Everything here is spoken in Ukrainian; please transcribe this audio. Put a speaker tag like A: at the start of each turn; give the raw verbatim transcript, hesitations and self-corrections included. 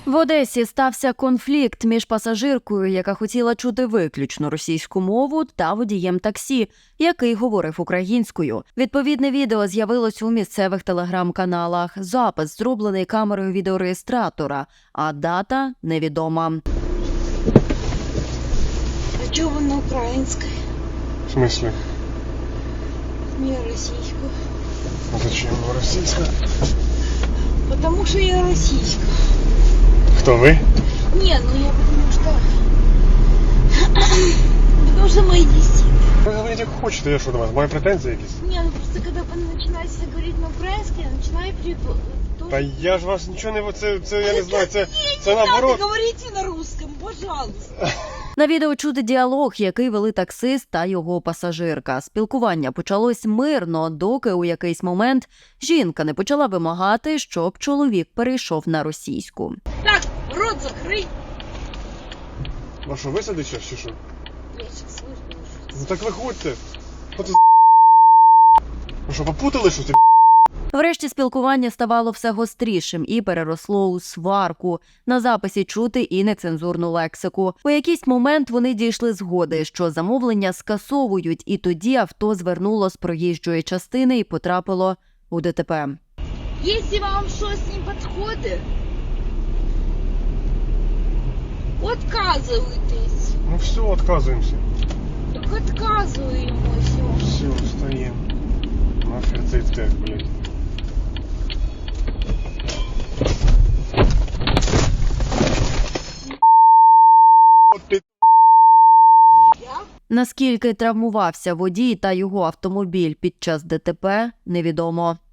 A: В Одесі стався конфлікт між пасажиркою, яка хотіла чути виключно російську мову, та водієм таксі, який говорив українською. Відповідне відео з'явилось у місцевих телеграм-каналах. Запис зроблений камерою відеореєстратора, а дата невідома.
B: А чого вона українська?
C: В смысле?
B: Не російська.
C: А зачем она российская?
B: Потому що я російська.
C: Кто вы?
B: Не, ну я потому что... Потому что мои дети.
C: Вы говорите, как хочете, я что до вас? Мои претензии якісь?
B: Не, ну просто когда вы начинаете говорить на украинском, я начинаю перевод.
C: Та я ж вас нічого не... Це, це я не знаю, це, це
B: Не
C: наоборот.
B: надо, говорите на русском, пожалуйста.
A: На відео чути діалог, який вели таксист та його пасажирка. Спілкування почалось мирно, доки у якийсь момент жінка не почала вимагати, щоб чоловік перейшов на російську.
B: Так, рот закрой.
C: А що, висадить щось чи що?
B: Я сейчас выжду.
C: Ну так виходьте. Що це за... Ви що, попутали щось?
A: Врешті спілкування ставало все гострішим і переросло у сварку. На записі чути і нецензурну лексику. У якийсь момент вони дійшли згоди, що замовлення скасовують, і тоді авто звернуло з проїжджої частини і потрапило у ДТП.
B: Если вам щось не підходить, отказуйтесь.
C: Ну все, отказуємося.
B: Так отказуємося.
C: Все, встаємо. Нахер цей тек, блядь. От ти...
B: Я?
A: Наскільки травмувався водій та його автомобіль під час ДТП, невідомо.